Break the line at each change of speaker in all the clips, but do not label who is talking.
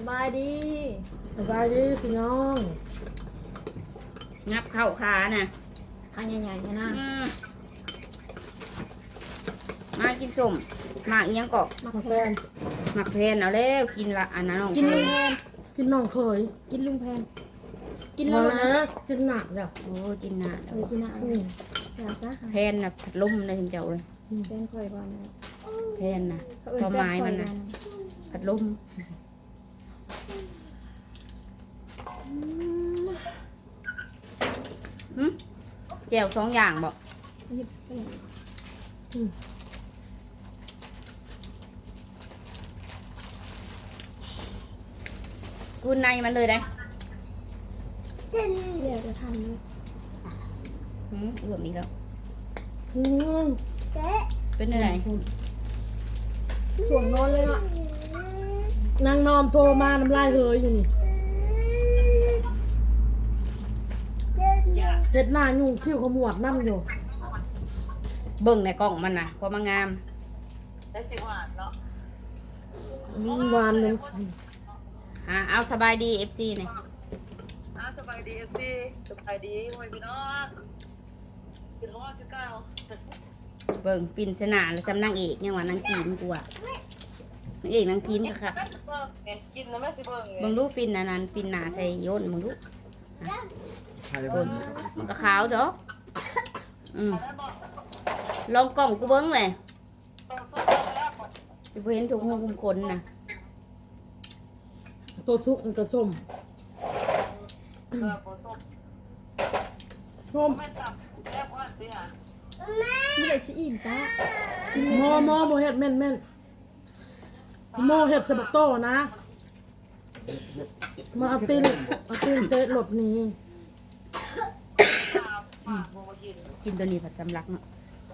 บายดี
สบายดีพี่น้อง
งับเข้าขาน่ะ
ข้างใหญ่ๆนะ
มากินส้มหมากเอียงกอก
มัก
มา
แพ
แฟ
น
น
หมักเพนเอาแล้วกินละอันนั้นน้อง
กินลุงแพน
กินน้องเคย
กินลุงแพนกิน
มา
แล้วนะ
แล้วกินหนักจ้ะ
โอ้กินนาน
เออกินอ่ะอย่าซะ
แพนน่ะพัดลมเลยถึงเจ้าเลย
แพนคอยก่อนนะ
แพนน่ะ
เขาเอิ้
พอน
แพน
ไม้
คอ
มั
ย
น
กั
น่ะ
น
พัดลมหึแก้วสองอย่างบอก
หยิบไปเลย
กูในมันเลยได้
เดี๋ยวจะทันเลย
รวมอีกแล้ว
อืม
เป็นอะไร
ส่วนนอนเลยเนาะ
นางนอมโทรมาน้ำลายเฮยอยู่นี่เห็ดหน้ายุ่งคิ้วขมวดน้ำอยู่
เบิ่งในกล่องมันน่ะพอมางาม
ได้สิหวานเนาะ
หวานเลย
เอาสบายดี FC เนี่ย
สบายดีFC สบายดีโอ้ยพี่น้องกินฮอดคือเก้า
เบิ่งปิ่นสนาแล้วสำนางเอกยังว่านางกินกูอ่ะนางเอกนางกินค่ะ
กินแล้วแม่สิเบิ่ง
มึงรู้ปิ่นอันนั้นปิ่นหนาใส่โยนมึงรู้
ใครบ้าง
มันก็ขาวจ้ะลองกล่องกูเบิ้งเลยจะเห็นถุงหูคุมขนน่ะ
ตัวชุกมันก็ส้มส้ม
ไม่ตับแซ่บว่าสิฮะ
ไม่ได้ชิอิ่มตา
หมอโมเห็ดแม่นแม่นโมเห็ดสะบักโตนะมาเอาตีนเตะหลบหนี้
ปากโมกิน
กินตัวนี้ผัดจำลักเนาะ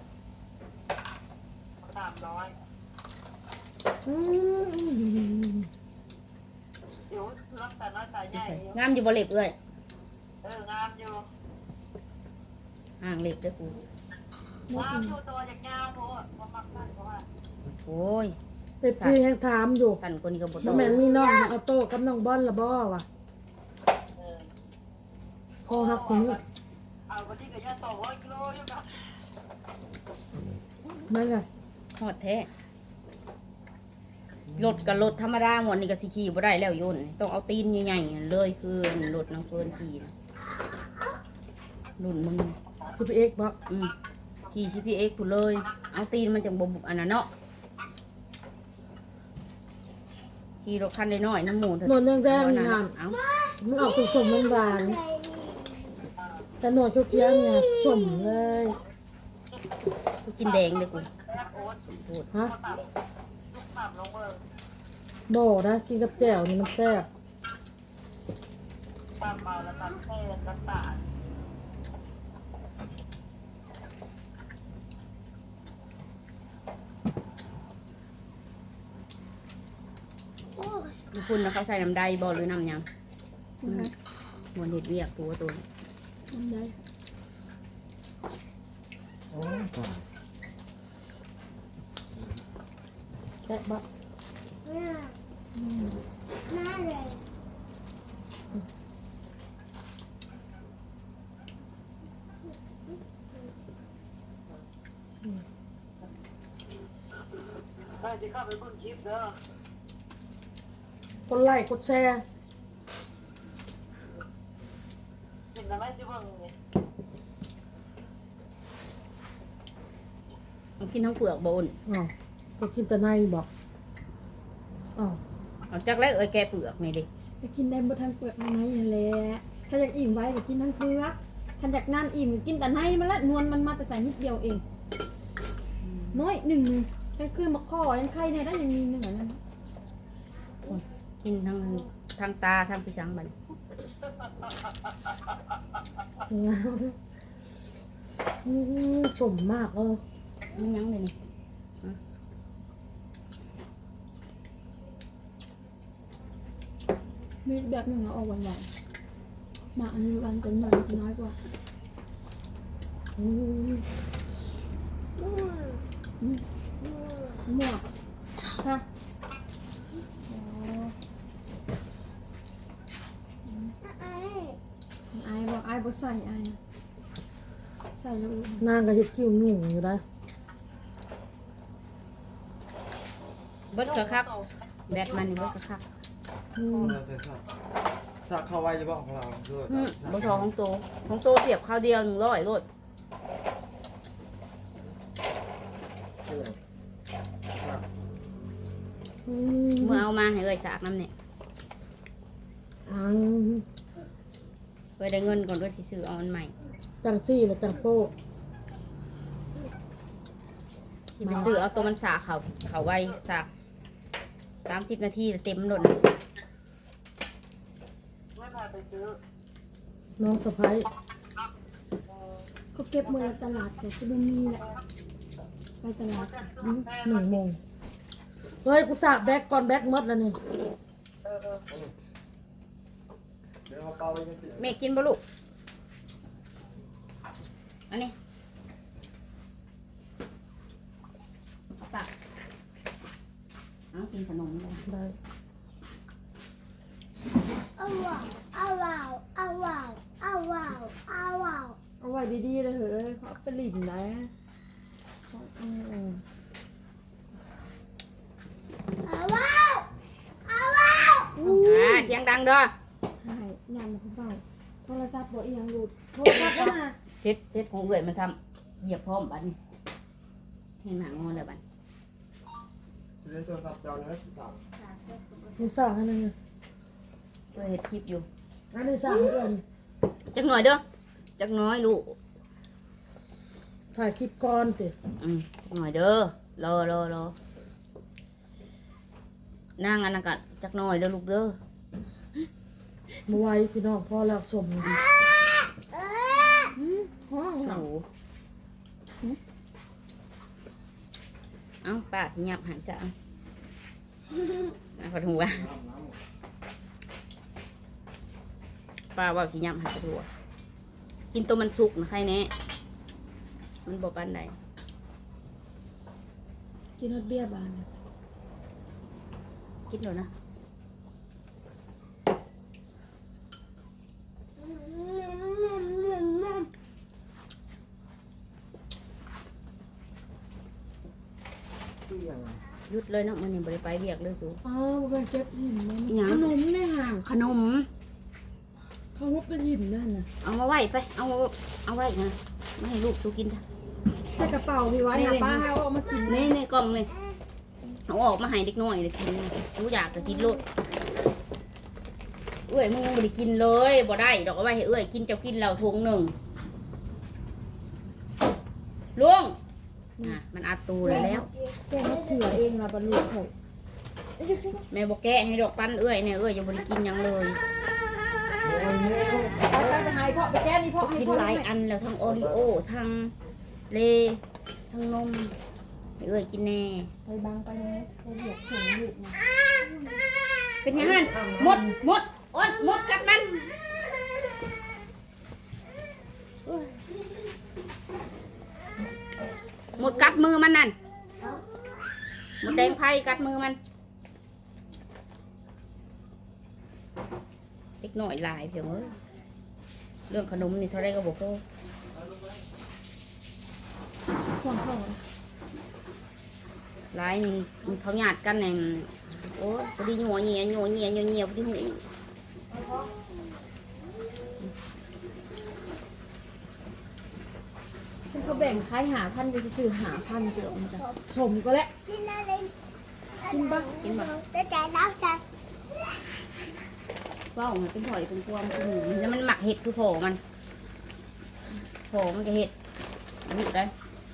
300
อืม
เดี๋ยวรักแต่น้อยตาใหญ่
งามอยู่บ่เล็บเอ้ย
งามอยู่
ห่างเล็บเด้อกู
งามอยู่ตัวจากยาวโพดบ่มักได้เพราะว่า
โอ้ย
เอฟซีแห่งถามอยู่
สั่นกว่านี้ก็บ่
ว่า
ต้อง
แม่นมีน้องเอาโต้กับน้องบอลละบ่วะคอหักคนนี้
เอาวันนี้ก็ย่า200 กิโลอยู่นะ
นั่นไง
ฮอดแท้รถกับรถธรรมดาหมดนี่ก็สิขี่บ่ได้แล้วโยนต้องเอาตีนใหญ่ๆเลยคือรถนางเฟิร์นขี่น่ะรุ่นมึง
สิบเอ็กบ่
ขี่ CPX กูเลย เอาตีนมันจังบ่บุอันนั้นเนาะขี่รถคันน้อยๆน้ำหมูเถอะ
นวลแดงๆนี่
เอา
งาน
เอา
มันออกสมๆหวานๆแต่หนวดเขียวๆเนี่ยสมเลย
กูกินแดงเลยกู
ฮะ
ต่ำลงเบิ่ง
บ่นะกินกับแจ่วนี่มันแซ่บ
ต่ำเมาแล้วต่ำแช่ต่ำตา
ดูคุณนะเขาใส่น้ำได้บ่หรือน้ำหยังมวนเห็ดเวียกตัวตัวนี้
ทำได้
โอ้ตาย
แซ่บบ่
ใครสิเข้าไปเบิ่งคลิปเด้อก
ดไลค์กดแชร์
เห็นแล้วไหมสิเบิ่งนี่
เอากินทั้งเปลือกบ่อุ่น
อ๋อจะกินแต่ในบอกอ๋อ
เอาจากแรกแกะเปลือกนี่ดิ
จะกินได้บ่ทันเปลือกในนั่นแหละถ้าอยากอิ่มไว้ก็กินทั้งเปลือกถ้าอยากนานอิ่มก็กินแต่ในมันละนวลมันมาแต่ใส่นิดเดียวเองน้อยหนึ่งก็คือมะข้อยังไข่เนี่ยได้ยังมีหนึ่งอันนั้น
กินทั้งตาทั้งพิชังบัดน
สมมากเออ
มันยังเลยนี่
มีแบบหนึ่งเอาออกหวานๆมาอันนี้กันเป็นหน่อยจะน้อยกว่า
อืม
หมวกค่ะายบ่ใส่อายใส่แล้ว
นางก็เฮ็ดคิ้วหนุ่งอยู่ได้
เบิดกระคักแบตมันนี่เบิดกระคัก
เราใส่สักเข้าไว้จะบอกของเราด้วย
บ่ชอของโตเสียบข้าวเดียว100โลดเมื่อเอามาให้เอ้ยสากน้ำเนี่ย
อัง
เอ้ยได้เงินก่อนด้วยสิซื้อเอาอันใหม่
จังซี่และจังโป้
สิไปซื้อเอาตัวมันสากเขาไว้สาก30 นาทีเต็มหล่น
ไม่พาไปซื้อ
น้องสะพ้าย
เขาเก็บมือละตลาดแต่ก็บ่มีแหละไปตลาด
1 โมงเฮ้ยกูสากแบกก่อนแบกหมดแล้วนี่
เดี๋ยวเอาเปล่าไว้ยังเสีย
แม่กินบ่ลูกอันนี้เอาตักเอากินขนมเลย
ได้
เอาไว้ดีๆเลยเหอะเขาเอาไปลิ้นได้เขา
เสียงดังเด้อ
ใช่ยามเขาเบาโทรศัพท์บ่อีหยังหลุดโทรศัพท์บ่น่ะ
เช็ดของเอื่อยมันทำเหยียบพร้อมบัดนี้เห็นหมางอนแล้วบัด
จะเล่นโทรศัพท์เจ้าเนื้อสั่ง
นี่สากอันนึง
เอ้ยเฮ็ดคลิปอยู่
อันนี้สากให้เอิ้น
จักหน่อยเด้อจักน้อยลูก
ถ่ายคลิปก่อนติ
จักหน่อยเด้อรอนั่งอันนั้นก็จักหน่อยเด้อลูกเด้อ
บ่ไหวพี่น้องพอแล้วสมดี
ห้อง
โอ้โหเอ้าป้าที่ยับหายซะขอหัวป้าว่าสิยับหายหัวกินตัวมันสุกนะใครแน่มันบอกปันใด
กินฮอดเบียร์บานน่ะ
คิดเดี๋ยวนะ
ที่ยัง
หยุดเลยเนาะมันยังบริไปเรียกเลยสู
อ๋อบ่เป็นเก็บหินเลย
หยัง
ขนมในห่าง
ขนม
เขาฮุบเป็นหินนั่นน่ะ
เอามาไว้ไปเอาไว้นะไม่ให้ลูกสูกินจ้ะ
ใส่กระเป๋าพี่ไว้นะป้าให้เอาออกมากิน
ในกล่องเลยเอาออกมาให้เด็กน้อยเลยกินรู้อยากจะกินโลดเอ้ยมึงยังบริกินเลยบ่ได้ดอกเอาไว้ให้เอ้ยกินเจ้ากินเราทงหนึ่งลุงมันอัดตูแล้ว
แกงเสือเองล่ะบรรลุเขา
แม่บอกแกะให้ดอกปั้นเอ้ยเนี่ยเอ้ยยังบริกินหยังเลย
ไปไปให้พ่อไปแก้นี่พ่อให้
กิน
พ่อ
หลายอันแล้วทั้งโอริโอทั้งเลทั้งนมให้เอ้ยกินแน่
ไปบางไปนะไปเรียกส่งลูกนะ
เป็นยังไงหมดอ้นหมดกัดมันหมดกัดมือมันนั่นหมดแดงไพ่กัดมือมันเล็กหน่อยหลายเพียงเอ้ยเรื่องขนมนี่เท่าไรก็บอกเขา
ห่วงเขา
หลายนี่เขาหยาดกันเนี่ยโอ้พอดีหัวเงียพอดีหู
เขาแบ่งขาย5,000จะซื้อ5,000เสือมันจะสมก็แล้วกินปะ
กินบ่ว้าวมันเป็นหอยเป็นความเป็นหมูแล้วมันหมักเห็ดคือโผมันก็เห็ดนี่ได้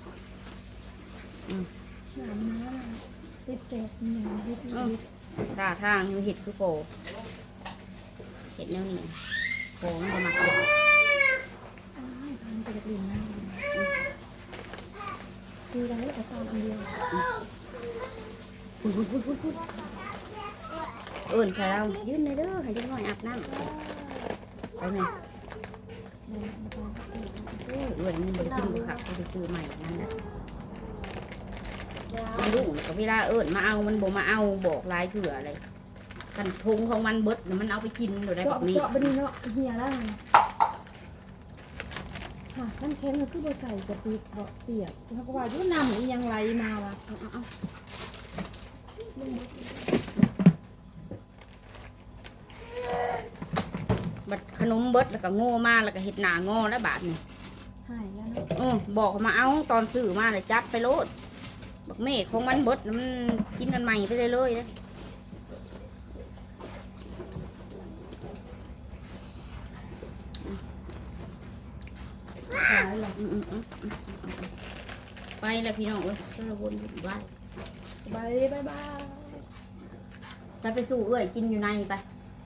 น้ำน้ำติดเศษอย่างนิด
ท่าทางอยู่เห็ดคือโผเห็ดแนวนี้โผมันก็หมักเห็ด
พันไปกับลินนะคือเราแต่ตอนอันเดียว
เอิ่นใส่เรายืนเลยเด้อให้เด็กน้อยอาบน้ำไปไหมเอ้ยมันบริกินบุคักไปซื้อใหม่นั่นแหละมันดุก็เวลาเอิ่นมาเอามันบ่มาเอาบอกลายเถื่ออะไรกันทงของมันเบิดมันเอาไปกินหรือได้แบบนี้
เจาะไปดีเนาะเฮียแล้วค่ะน้ำแข็งมันคือบ่ใส่กะปิบ่เปียกเขาก็ว่าอยู่น้ำอีหยังไหลมาวะ
เอาบัดขนมเบิดแล้วก็โง่มาแล้วก็เห็ดหนางอแล้วบาทนี่
หายแล้วเนาะ
บอกมาเอาตอนซื้อมาเลยจัดไปโลดบักเมฆของมันเบิดมันกินกันใหม่ไปเลยๆนะ
หายแล้ว
ไปแล้วพี่น้องเอ้ยก็ระวนอยู่บ้าน
บายบาย
จะไปสู่เอ้ยกินอยู่ในไป